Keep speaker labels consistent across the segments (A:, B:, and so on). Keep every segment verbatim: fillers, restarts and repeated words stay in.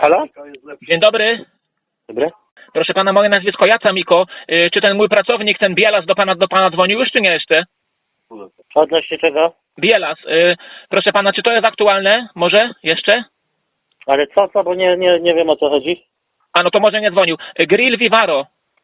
A: Halo?
B: Dzień dobry.
A: Dobry.
B: Proszę pana, moje nazwisko Jaca Miko. Y, Czy ten mój pracownik, ten Bielas do pana, do pana dzwonił już, czy nie jeszcze?
A: Odnośnie czego?
B: Bielas. y, Proszę pana, czy to jest aktualne? Może jeszcze?
A: Ale co, co, bo nie, nie, nie wiem o co chodzi.
B: A no to może nie dzwonił. Y, Grill Vivaro.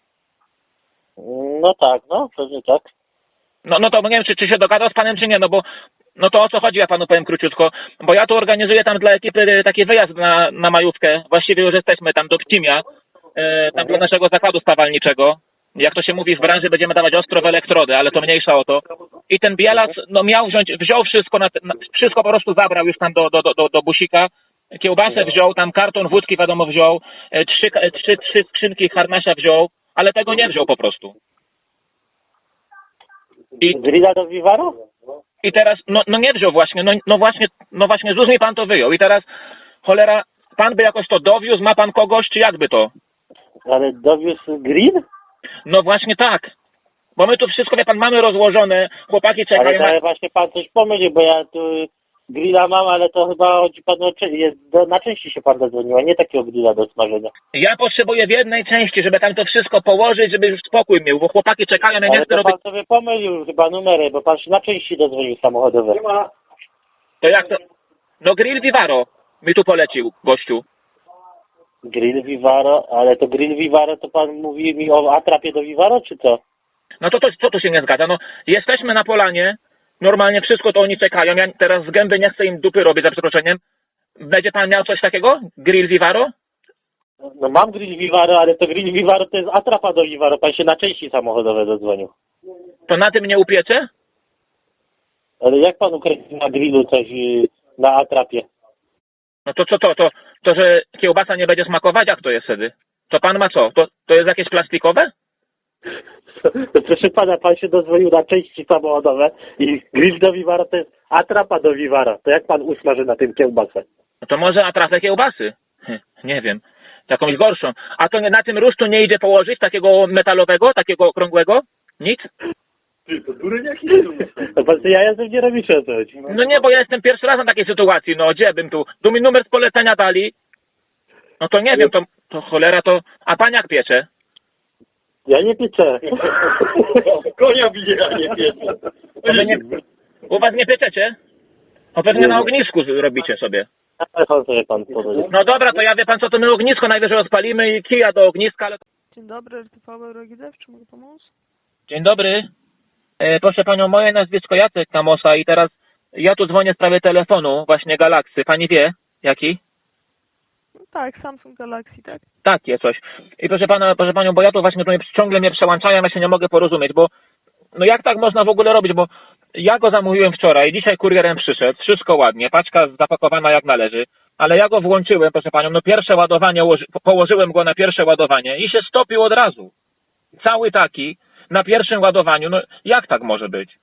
A: No tak, no, pewnie tak.
B: No, no to nie wiem, czy, czy się dogadał z panem, czy nie, no bo no to o co chodzi, ja panu powiem króciutko. Bo ja tu organizuję tam dla ekipy y, taki wyjazd na, na majówkę. Właściwie już jesteśmy tam do Pcimia, y, tam dla naszego zakładu spawalniczego. Jak to się mówi w branży, będziemy dawać ostro w elektrody, ale to mniejsza o to. I ten Bielas, no miał wziąć, wziął wszystko, na, na, wszystko po prostu zabrał już tam do, do, do, do, do busika. Kiełbasę wziął, tam karton wódki wiadomo wziął, e, trzy, e, trzy, trzy skrzynki harnasia wziął, ale tego nie wziął po prostu. I,
A: Grilla do Vivaro?
B: i teraz, no, no nie wziął właśnie, no, no właśnie, no właśnie, z mi pan to wyjął. I teraz, cholera, pan by jakoś to dowiózł, ma pan kogoś, czy jakby to?
A: Ale dowiózł grill?
B: No właśnie tak. Bo my tu wszystko, wie pan, mamy rozłożone, chłopaki czekają.
A: Ale, ale właśnie pan coś pomylił, bo ja tu grilla mam, ale to chyba chodzi pan o cze- jest do, na części się pan zadzwonił, a nie takiego grilla do smażenia.
B: Ja potrzebuję w jednej części, żeby tam to wszystko położyć, żeby już spokój miał, bo chłopaki czekają, ja nie
A: Ale
B: chcę
A: to
B: robić...
A: pan sobie pomylił chyba numery, bo pan się na części dozwonił samochodowe.
B: To jak to? No Grill Vivaro mi tu polecił, gościu.
A: Grill Vivaro, ale to grill Vivaro to pan mówi mi o atrapie do Vivaro, czy co?
B: No to, to co tu się nie zgadza? No jesteśmy na polanie, normalnie wszystko to oni czekają, ja teraz z gęby nie chcę im dupy robić, za przeproszeniem. Będzie pan miał coś takiego? Grill Vivaro?
A: No mam grill Vivaro, ale to grill Vivaro to jest atrapa do Vivaro, pan się na części samochodowe zadzwonił.
B: To na tym nie upiecze?
A: Ale jak pan ukręci na grillu coś y, na atrapie?
B: No to co to, to, to, że kiełbasa nie będzie smakować? Jak to jest wtedy? To pan ma co? To, to jest jakieś plastikowe?
A: To proszę pana, pan się dozwolił na części samochodowe i grill do Vivaro to jest atrapa do Vivaro. To jak pan usmaży na tym kiełbasę?
B: No to może atrapę kiełbasy? Hm, nie wiem. Jakąś gorszą. A to nie, na tym rusztu nie idzie położyć takiego metalowego, takiego okrągłego? Nic?
C: Ty, to dureń jakiś?
A: No pan ja jestem nie robiszę o co chodzi.
B: No nie, bo ja jestem pierwszy raz na takiej sytuacji. No gdzie bym tu? Tu mi numer z polecenia dali. No to nie wiem, to, to cholera to... A pan jak piecze?
A: Ja nie pieczę.
C: Konia bije, a nie piecze.
B: To wy nie, u was nie pieczecie? No pewnie na ognisku robicie sobie.
A: Telefon sobie pan powiedział.
B: No dobra, to ja wie pan co, to my ognisko najwyżej rozpalimy i kija do ogniska, ale...
D: Dzień dobry, R T V Eurogizew, czy mogę pomóc?
B: Dzień dobry. E, proszę panią, moje nazwisko Jacek Kamosa i teraz ja tu dzwonię w sprawie telefonu, właśnie Galaxy. Pani wie, jaki?
D: No tak, Samsung Galaxy, tak?
B: Takie coś. I proszę pana, proszę panią, bo ja tu właśnie tu mnie, ciągle mnie przełączają, ja się nie mogę porozumieć, bo no jak tak można w ogóle robić, bo ja go zamówiłem wczoraj, dzisiaj kurierem przyszedł, wszystko ładnie, paczka zapakowana jak należy, ale ja go włączyłem, proszę panią, no pierwsze ładowanie, położyłem go na pierwsze ładowanie i się stopił od razu. Cały taki, na pierwszym ładowaniu, no jak tak może być?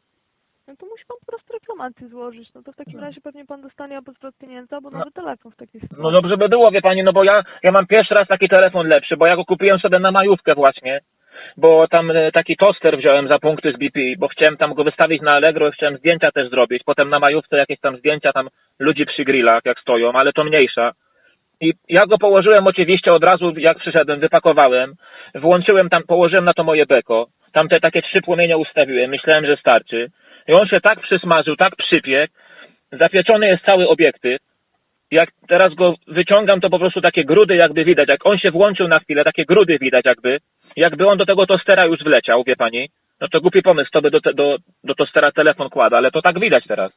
D: No to musi pan po prostu reklamację złożyć, no to w takim razie pewnie pan dostanie albo zwrot pieniędzy, albo
B: No.
D: nowy telefon w takiej sytuacji.
B: No dobrze by było, wie pani, no bo ja, ja mam pierwszy raz taki telefon lepszy, bo ja go kupiłem sobie na majówkę właśnie, bo tam e, taki toster wziąłem za punkty z B P, bo chciałem tam go wystawić na Allegro i chciałem zdjęcia też zrobić, potem na majówce jakieś tam zdjęcia tam ludzi przy grillach jak stoją, ale to mniejsza. I ja go położyłem oczywiście od razu, jak przyszedłem, wypakowałem, włączyłem tam, położyłem na to moje beko, tam te takie trzy płomienie ustawiłem, myślałem, że starczy. I on się tak przysmażył, tak przypiekł, zapieczony jest cały obiektyw. Jak teraz go wyciągam, to po prostu takie grudy jakby widać, jak on się włączył na chwilę, takie grudy widać jakby, jakby on do tego tostera już wleciał, wie pani. No to głupi pomysł, to by do, te, do, do tostera telefon kłada, ale to tak widać teraz.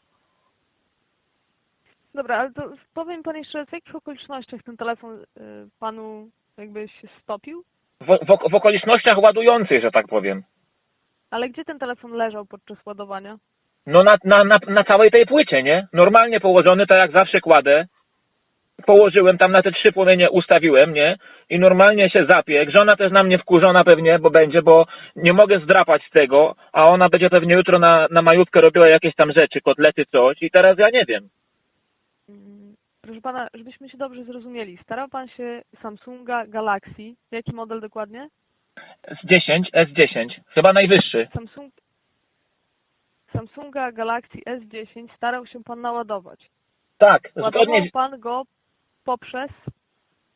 D: Dobra, ale to powiem pan jeszcze, w jakich okolicznościach ten telefon y, panu jakby się stopił?
B: W, w, w okolicznościach ładujących, że tak powiem.
D: Ale gdzie ten telefon leżał podczas ładowania?
B: No na, na, na, na całej tej płycie, nie? Normalnie położony, tak jak zawsze kładę. Położyłem tam na te trzy płomienie, ustawiłem, nie? I normalnie się zapiekł. Żona też na mnie wkurzona pewnie, bo będzie, bo nie mogę zdrapać z tego, a ona będzie pewnie jutro na, na majówkę robiła jakieś tam rzeczy, kotlety, coś i teraz ja nie wiem.
D: Mm, Proszę pana, żebyśmy się dobrze zrozumieli, starał pan się Samsunga Galaxy, jaki model dokładnie?
B: S dziesięć, S dziesięć, chyba najwyższy.
D: Samsung, Samsunga Galaxy S dziesięć starał się pan naładować.
B: Tak,
D: Ładował
B: zgodnie,
D: pan go poprzez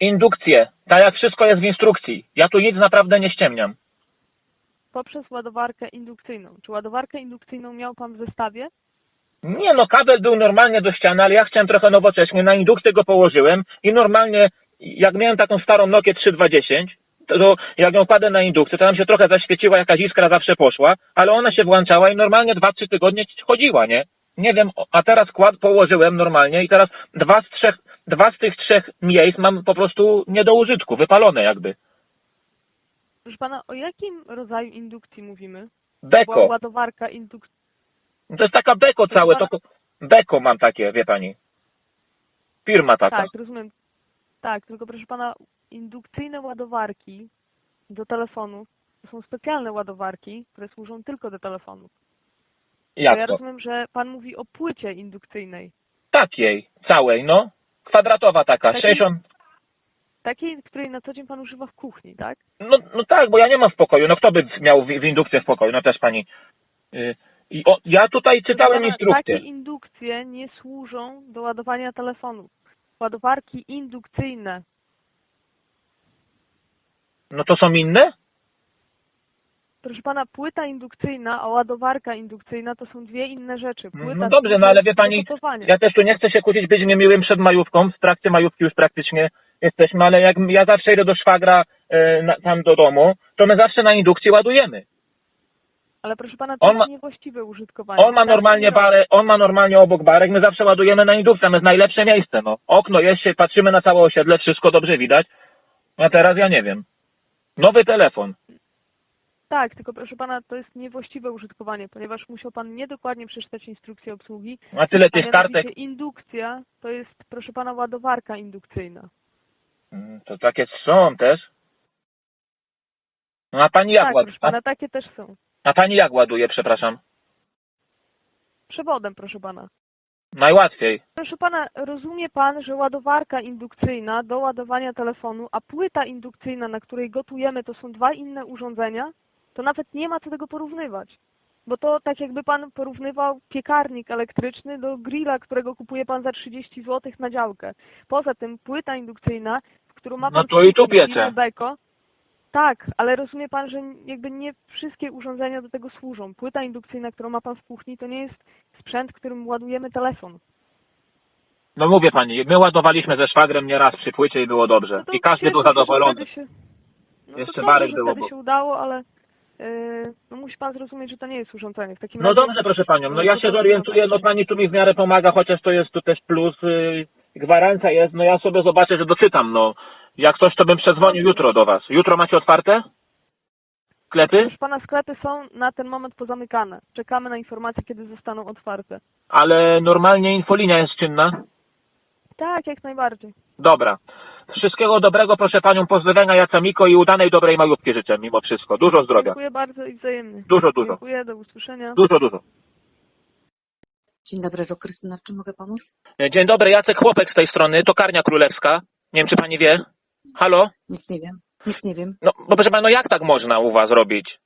B: Indukcję. Tak jak wszystko jest w instrukcji. Ja tu nic naprawdę nie ściemniam.
D: Poprzez ładowarkę indukcyjną. Czy ładowarkę indukcyjną miał pan w zestawie?
B: Nie no, kabel był normalnie do ściany, ale ja chciałem trochę nowocześnie. Na indukcję go położyłem i normalnie, jak miałem taką starą Nokię trzy dwa dziesięć, to jak ją kładę na indukcję, to tam się trochę zaświeciła, jakaś iskra zawsze poszła, ale ona się włączała i normalnie dwa trzy tygodnie chodziła, nie? Nie wiem, a teraz kład położyłem normalnie i teraz dwa z trzech, dwa z tych trzech miejsc mam po prostu nie do użytku, wypalone jakby.
D: Proszę pana, o jakim rodzaju indukcji mówimy? Była
B: Beko.
D: ładowarka indukcyjna.
B: To jest taka beko całe, to beko mam takie, wie pani. Firma taka.
D: Tak, rozumiem. Tak, tylko proszę pana, indukcyjne ładowarki do telefonów to są specjalne ładowarki, które służą tylko do telefonów. To ja
B: Jak to?
D: rozumiem, że pan mówi o płycie indukcyjnej.
B: Takiej, całej, no. Kwadratowa taka,
D: Takiej?
B: sześćdziesiąt.
D: Takiej, której na co dzień pan używa w kuchni, tak?
B: No, no tak, bo ja nie mam w pokoju. No kto by miał w, w indukcję w pokoju? No też pani. Yy, i o, ja tutaj czytałem
D: Proszę pana,
B: instrukcję.
D: Takie indukcje nie służą do ładowania telefonów. Ładowarki indukcyjne.
B: No to są inne?
D: Proszę pana, płyta indukcyjna, a ładowarka indukcyjna to są dwie inne rzeczy. Płyta
B: No dobrze,
D: służy
B: no ale wie
D: do
B: pani,
D: gotowania.
B: ja też tu nie chcę się kłócić, być niemiłym przed majówką. W trakcie majówki już praktycznie jesteśmy, ale jak ja zawsze idę do szwagra e, na, tam do domu, to my zawsze na indukcji ładujemy.
D: Ale proszę pana, to
B: On
D: jest
B: ma-
D: niewłaściwe użytkowanie.
B: On ma
D: Tak
B: normalnie
D: nie robi.
B: barę, on ma normalnie obok barek, my zawsze ładujemy na indukcję, to jest najlepsze miejsce, no. Okno jest się, patrzymy na całe osiedle, wszystko dobrze widać. A teraz ja nie wiem. Nowy telefon.
D: Tak, tylko proszę pana, to jest niewłaściwe użytkowanie, ponieważ musiał pan niedokładnie przeczytać instrukcję obsługi.
B: A tyle
D: A
B: tych kartek.
D: mianowicie indukcja to jest, proszę pana, ładowarka indukcyjna.
B: Mm, To takie są też. No a pani jak
D: Tak,
B: ładuje?
D: proszę pana, takie też są.
B: A, a pani jak ładuje, przepraszam?
D: Przewodem, proszę pana.
B: Najłatwiej.
D: Proszę pana, rozumie pan, że ładowarka indukcyjna do ładowania telefonu, a płyta indukcyjna, na której gotujemy, to są dwa inne urządzenia? To nawet nie ma co tego porównywać. Bo to tak jakby pan porównywał piekarnik elektryczny do grilla, którego kupuje pan za trzydzieści złotych na działkę. Poza tym płyta indukcyjna, w którą ma pan
B: No to i tu
D: wkręcone
B: piece.
D: firmy Beko. Tak, ale rozumie pan, że jakby nie wszystkie urządzenia do tego służą. Płyta indukcyjna, którą ma pan w kuchni, to nie jest sprzęt, którym ładujemy telefon.
B: No mówię pani, my ładowaliśmy ze szwagrem nieraz przy płycie i było dobrze.
D: No to
B: I każdy był
D: cieszę się, że
B: zadowolony.
D: wtedy się- No
B: Jeszcze
D: to dobrze,
B: Marek
D: że
B: było,
D: wtedy
B: bo-
D: się udało, ale yy, no musi pan zrozumieć, że to nie jest urządzenie. W takim
B: No
D: razie-
B: dobrze, proszę panią, no ja
D: to
B: się
D: to-
B: zorientuję, no pani tu mi w miarę pomaga, chociaż to jest tu też plus, yy, gwarancja jest, no ja sobie zobaczę, że doczytam, no. Jak coś, to bym przedzwonił jutro do was. Jutro macie otwarte? Sklepy?
D: Proszę pana, sklepy są na ten moment pozamykane. Czekamy na informacje, kiedy zostaną otwarte.
B: Ale normalnie infolinia jest czynna?
D: Tak, jak najbardziej.
B: Dobra. Wszystkiego dobrego, proszę panią, pozdrowienia Jacamiko i udanej, dobrej majówki życzę mimo wszystko. Dużo zdrowia.
D: Dziękuję bardzo i wzajemnie.
B: Dużo, dużo.
D: Dziękuję, do usłyszenia.
B: Dużo, dużo.
E: Dzień dobry, Ro Krystyna, w czym mogę pomóc?
B: Dzień dobry, Jacek Chłopek z tej strony, Tokarnia Królewska. Nie wiem, czy pani wie. Halo?
E: Nic nie wiem, nic nie wiem.
B: No, bo proszę pana, no jak tak można u was robić?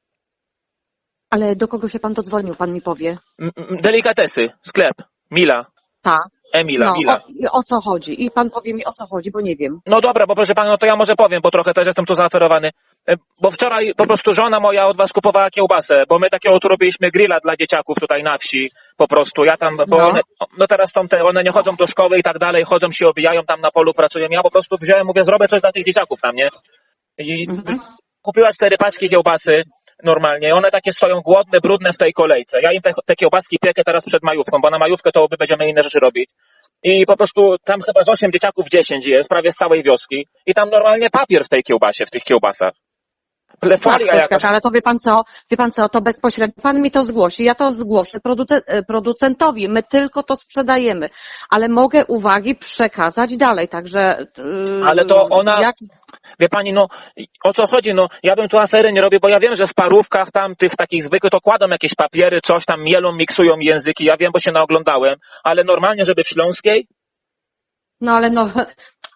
E: Ale do kogo się pan dodzwonił, pan mi powie?
B: M- m- delikatesy, sklep, Mila,
E: Ta.
B: Emila,
E: No,
B: Mila.
E: o, i o co chodzi? I pan powie mi, o co chodzi, bo nie wiem.
B: No dobra, bo proszę pana, no to ja może powiem, bo trochę też jestem tu zaaferowany. E, Bo wczoraj po prostu żona moja od was kupowała kiełbasę, bo my takiego tu robiliśmy grilla dla dzieciaków tutaj na wsi, po prostu. Ja tam, bo
E: No.
B: one, no teraz są te, one nie chodzą do szkoły i tak dalej, chodzą się obijają tam na polu, pracują. Ja po prostu wziąłem, mówię, zrobię coś dla tych dzieciaków tam, nie? I
E: Mhm.
B: kupiła cztery paczki kiełbasy normalnie. One takie stoją głodne, brudne w tej kolejce. Ja im te, te kiełbaski piekę teraz przed majówką, bo na majówkę to będziemy inne rzeczy robić. I po prostu tam chyba z osiem dzieciaków dziesięć jest, prawie z całej wioski. I tam normalnie papier w tej kiełbasie, w tych kiełbasach.
E: Tak,
B: Folia jakaś.
E: poczekaj, ale to wie pan co, wie pan co, to bezpośrednio, pan mi to zgłosi, ja to zgłoszę produce- e, producentowi, my tylko to sprzedajemy, ale mogę uwagi przekazać dalej, także... Yy,
B: Ale to ona-
E: Jak...
B: Wie pani, no o co chodzi? No ja bym tu afery nie robił, bo ja wiem, że w parówkach tam tych takich zwykłych to kładą jakieś papiery, coś tam mielą, miksują języki. Ja wiem, bo się naoglądałem, ale normalnie, żeby w Śląskiej?
E: No ale no,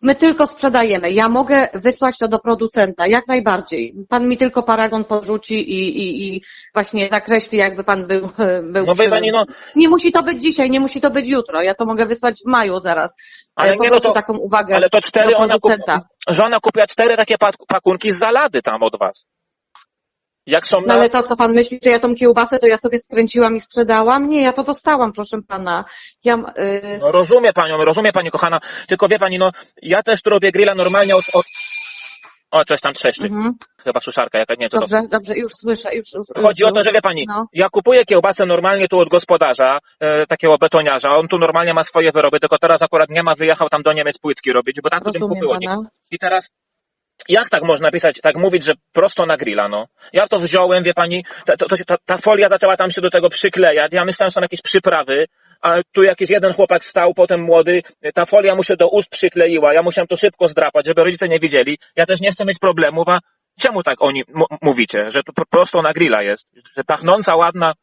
E: My tylko sprzedajemy. Ja mogę wysłać to do producenta, jak najbardziej. Pan mi tylko paragon podrzuci i, i, i właśnie zakreśli, jakby pan był, był
B: No wie
E: przy...
B: pani, no,
E: Nie musi to być dzisiaj, nie musi to być jutro. Ja to mogę wysłać w maju zaraz.
B: ale
E: E, po
B: nie, no
E: prostu
B: to,
E: taką uwagę
B: ale to cztery,
E: do
B: ona kup,
E: producenta.
B: żona kupiła cztery takie pak- pakunki z zalady tam od was. Jak są
E: No
B: na...
E: ale to, co pan myśli, że ja tą kiełbasę, to ja sobie skręciłam i sprzedałam? Nie, ja to dostałam, proszę pana. Ja, yy...
B: No rozumie panią, rozumie pani kochana, tylko wie pani, no ja też tu robię grilla normalnie od... od... O, coś tam trzeszczy.
E: mhm.
B: Chyba suszarka jaka, nie wiem co to.
E: Dobrze, dobrze, już słyszę. Już, już,
B: Chodzi
E: już,
B: o to, że wie pani,
E: no.
B: ja kupuję kiełbasę normalnie tu od gospodarza, e, takiego betoniarza, on tu normalnie ma swoje wyroby, tylko teraz akurat nie ma, wyjechał tam do Niemiec płytki robić, bo tak tu tym
E: Rozumiem
B: kupiło.
E: pana.
B: I teraz, jak tak można pisać, tak mówić, że prosto na grilla, no? Ja to wziąłem, wie pani, ta, to, to, ta, ta folia zaczęła tam się do tego przyklejać, ja myślałem, że są jakieś przyprawy, a tu jakiś jeden chłopak stał, potem młody, ta folia mu się do ust przykleiła, ja musiałem to szybko zdrapać, żeby rodzice nie widzieli, ja też nie chcę mieć problemów, a czemu tak oni m- mówicie, że to po- prosto na grilla jest, że pachnąca, ładna?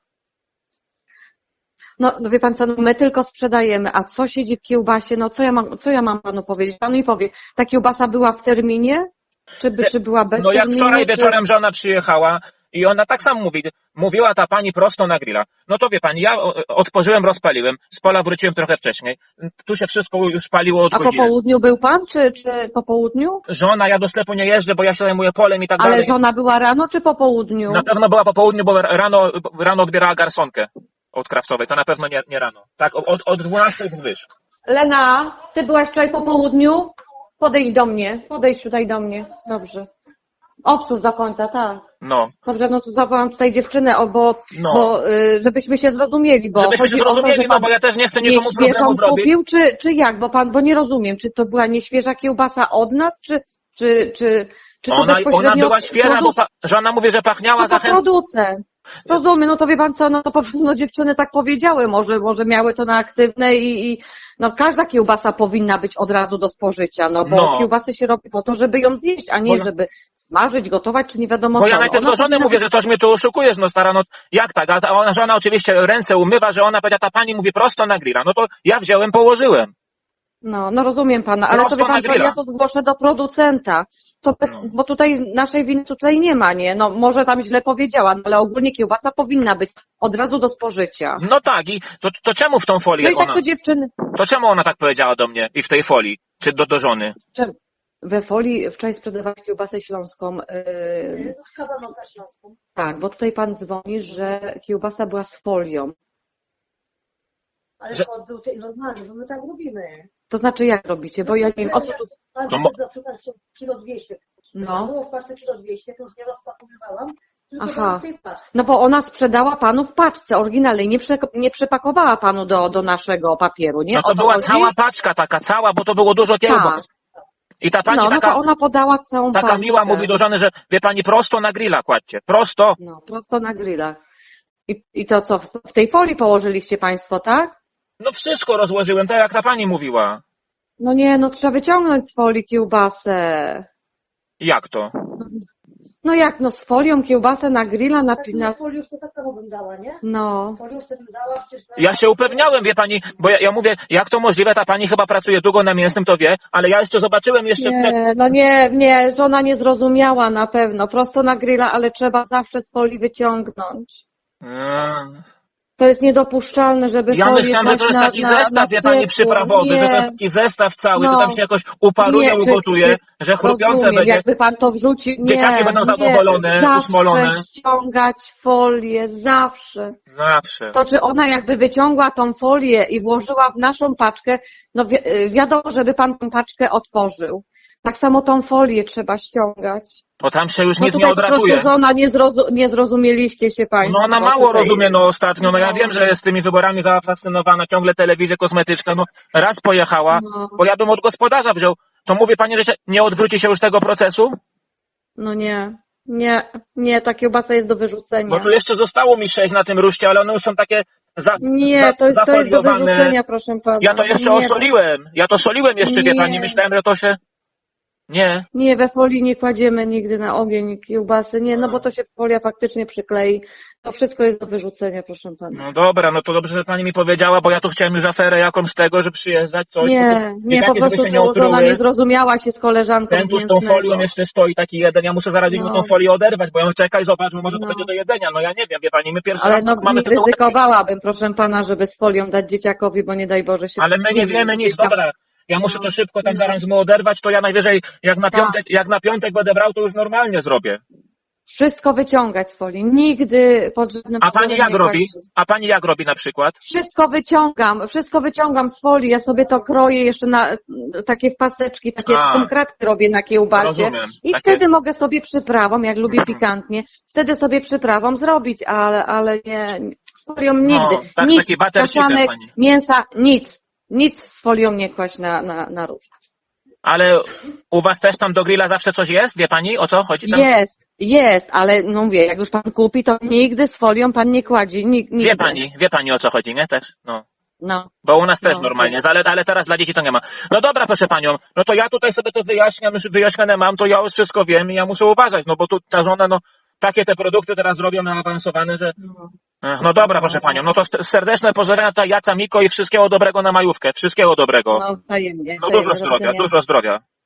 E: No, no wie pan co, no my tylko sprzedajemy, a co siedzi w kiełbasie, no co ja mam, co ja mam panu powiedzieć? Pan mi powie, ta kiełbasa była w terminie? Czy, by, czy była bez
B: No jak
E: terminu?
B: wczoraj
E: czy...
B: wieczorem żona przyjechała i ona tak samo mówi, mówiła ta pani prosto na grilla. No to wie pani, ja o- otworzyłem, rozpaliłem, z pola wróciłem trochę wcześniej, tu się wszystko już paliło od
E: A po
B: godziny.
E: południu był pan, czy, czy po południu?
B: Żona, ja do sklepu nie jeżdżę, bo ja się zajmuję polem i tak
E: Ale
B: dalej.
E: żona była rano, czy po południu?
B: Na pewno była po południu, bo rano, rano odbierała garsonkę od kraftowej, to na pewno nie, nie rano. Tak, od, od dwunastej wyż.
E: Lena, ty byłaś wczoraj po południu? Podejdź do mnie, podejdź tutaj do mnie. Dobrze. Obsłuż do końca, tak.
B: No,
E: Dobrze, no to zawołam tutaj dziewczynę, o, bo,
B: no.
E: bo y, żebyśmy się zrozumieli, bo
B: Żebyśmy się
E: chodzi o to,
B: zrozumieli,
E: że
B: no
E: pan
B: bo ja też nie chcę nikomu
E: nieświeżą
B: problemów robić.
E: kupił, czy, czy jak? Bo pan, bo nie rozumiem, czy to była nieświeża kiełbasa od nas, czy, czy, czy, czy to
B: Ona, ona
E: bezpośrednio
B: była
E: od
B: świeża, bo
E: produc-
B: pa, żona mówi, że pachniała
E: no to
B: zachęt...
E: producent. Rozumiem, no to wie pan co, no to po prostu no, dziewczyny tak powiedziały, może, może miały to na aktywne i, i no każda kiełbasa powinna być od razu do spożycia, no bo
B: No.
E: kiełbasy się robi po to, żeby ją zjeść, a nie
B: Bo-
E: żeby smażyć, gotować, czy nie wiadomo
B: Bo
E: co.
B: ja
E: No,
B: najpierw
E: ona
B: do żony
E: powinna
B: mówię,
E: być-
B: że toż mnie tu oszukujesz, no stara, no jak tak? A ta ona, żona oczywiście ręce umywa, że ona powiedziała, ta pani mówi prosto na grilla. No to ja wziąłem, położyłem.
E: No, no rozumiem pana, ale
B: Prosto
E: to wie
B: na
E: pan, co,
B: grilla.
E: ja to zgłoszę do producenta. To bez,
B: No.
E: Bo tutaj naszej winy tutaj nie ma, nie? No może tam źle powiedziała, no, ale ogólnie kiełbasa powinna być od razu do spożycia.
B: No tak, i to, to czemu w tą folię
E: No i tak
B: ona,
E: to dziewczyny,
B: to czemu ona tak powiedziała do mnie i w tej folii, czy do, do żony?
E: Czem- we folii wczoraj sprzedawałeś kiełbasę śląską. Yy,
F: Z kabanosa śląską.
E: tak, bo tutaj pan dzwoni, że kiełbasa była z folią.
F: Ale
B: Że-
F: to był tej normalny, bo my tak robimy.
E: To znaczy jak robicie? Bo ja nie wiem, o co tu...
F: Tak,
B: To mo-
F: na przykład kilo dwieście.
E: No.
F: Było w paczce kilo dwieście, to już nie rozpakowywałam, tylko
E: Aha.
F: dałam w tej paczce.
E: No bo ona sprzedała panu w paczce oryginalnej, nie, prze, nie przepakowała panu do, do naszego papieru, nie?
B: No to
E: O
B: była
E: chodzi?
B: cała paczka taka, cała, bo to było dużo kiełbas. I ta pani
E: No, no
B: taka,
E: to ona podała całą
B: taka
E: paczkę.
B: miła mówi do żony, że wie pani, prosto na grilla kładźcie, prosto.
E: No, prosto na grilla. I, I to co, w- w tej folii położyliście państwo, tak?
B: No wszystko rozłożyłem, tak jak ta pani mówiła.
E: No nie, no trzeba wyciągnąć z folii kiełbasę.
B: Jak to?
E: No jak, no z folią kiełbasę na grilla, na...
F: Tak
E: na
F: na foliówce tak samo bym dała, nie?
E: no.
F: W foliówce bym dała, przecież...
B: Ja się upewniałem, wie pani, bo ja, ja mówię, jak to możliwe, ta pani chyba pracuje długo na mięsnym, to wie, ale ja jeszcze zobaczyłem jeszcze... przed-
E: Nie, no nie, nie, żona nie zrozumiała na pewno. Prosto na grilla, ale trzeba zawsze z folii wyciągnąć.
B: Mm.
E: To jest niedopuszczalne, żeby
B: Ja
E: folię
B: myślałem, że to
E: kłaść
B: jest
E: na,
B: taki
E: na,
B: zestaw,
E: na
B: wie pani,
E: ciepło.
B: przyprawowy,
E: Nie.
B: że to jest taki zestaw cały, to
E: No.
B: tam się jakoś uparuje,
E: Nie, czy-
B: ugotuje,
E: czy-
B: że chrupiące
E: Rozumiem,
B: będzie.
E: jakby pan to wrzucił. Nie,
B: Dzieciaki będą
E: nie,
B: zadowolone,
E: zawsze
B: usmolone.
E: ściągać folię, zawsze.
B: Zawsze.
E: To czy ona jakby wyciągła tą folię i włożyła w naszą paczkę, no wi wiadomo, żeby pan tą paczkę otworzył. Tak samo tą folię trzeba ściągać.
B: To tam się już
E: No
B: nic nie
E: tutaj po
B: odratuje.
E: prostu żona nie, zrozu nie zrozumieliście się państwo.
B: No ona mało
E: tutaj.
B: rozumie no ostatnio, no ja
E: No.
B: wiem, że jest z tymi wyborami zafascynowana, ciągle telewizja kosmetyczna, no raz pojechała,
E: No.
B: bo ja bym od gospodarza wziął, to mówi pani, że się nie odwróci się już tego procesu?
E: No nie, nie, nie, ta kiełbasa jest do wyrzucenia.
B: Bo tu jeszcze zostało mi sześć na tym ruszcie, ale one już są takie za,
E: Nie,
B: za,
E: to jest, to jest do
B: zafoliowane.
E: wyrzucenia, proszę pana.
B: Ja to jeszcze
E: nie,
B: osoliłem, ja to soliłem jeszcze, wie
E: Nie.
B: pani, myślałem, że to się... Nie.
E: Nie, we folii nie kładziemy nigdy na ogień kiełbasy, nie, no bo to się folia faktycznie przyklei To wszystko jest do wyrzucenia, proszę pana.
B: No dobra, no to dobrze, że pani mi powiedziała, bo ja tu chciałem już aferę jakąś z tego, że przyjeżdżać, coś.
E: Nie,
B: I
E: nie,
B: takie,
E: po
B: żeby
E: prostu
B: się nie
E: to, że ona
B: otruły.
E: nie zrozumiała się z koleżanką
B: Ten tu z
E: z
B: tą
E: Mięsnego.
B: folią jeszcze stoi taki jeden, ja muszę zaraz gdzieś mu
E: No.
B: tą folię oderwać, bo ja czekaj, zobacz, bo może to
E: No.
B: będzie do jedzenia, no ja nie wiem, wie pani, my pierwszy
E: Ale
B: raz
E: no
B: tak mamy
E: nie
B: sytuację.
E: ryzykowałabym, proszę pana, żeby z folią dać dzieciakowi, bo nie daj Boże się...
B: Ale my nie wiemy nic,
E: Dzieciak-
B: dobra. Ja muszę
E: No,
B: to szybko tam
E: no.
B: zaraz mu oderwać, to ja najwyżej jak na
E: Tak.
B: piątek, jak na piątek będę brał, to już normalnie zrobię.
E: Wszystko wyciągać z folii, nigdy pod żadnym
B: A pani
E: pozorem
B: jak
E: nie
B: robi?
E: kłaść.
B: A pani jak robi na przykład?
E: Wszystko wyciągam, wszystko wyciągam z folii, ja sobie to kroję jeszcze na takie w paseczki, takie
B: A.
E: konkretki robię na kiełbasie
B: Rozumiem.
E: i
B: Takie-
E: wtedy mogę sobie przyprawą, jak lubię pikantnie, wtedy sobie przyprawą zrobić, ale, ale nie, z folią nigdy.
B: No, tak,
E: nic,
B: taki butter chicken,
E: kaszanek,
B: pani.
E: mięsa, nic, nic z folią nie kłaść na, na, na róż.
B: Ale u was też tam do grilla zawsze coś jest? Wie pani, o co chodzi tam?
E: Jest, jest, ale no mówię, jak już pan kupi, to nigdy z folią pan nie kładzi, nig- nigdy.
B: Wie pani, wie pani o co chodzi, nie? Też, no.
E: No.
B: Bo u nas też
E: No,
B: normalnie,
E: wiem.
B: ale, ale teraz dla dzieci to nie ma. No dobra, proszę panią, no to ja tutaj sobie to wyjaśniam, już wyjaśnione mam, to ja już wszystko wiem i ja muszę uważać, no bo tu ta żona, no takie te produkty teraz robią naawansowane, że...
E: No.
B: Ech, no dobra, proszę panią, no to serdeczne pozdrowienia dla Jaca, Miko i wszystkiego dobrego na majówkę, wszystkiego dobrego.
E: No, wzajemnie.
B: No dużo
E: wzajemnie, do
B: zdrowia,
E: widzenia.
B: dużo zdrowia.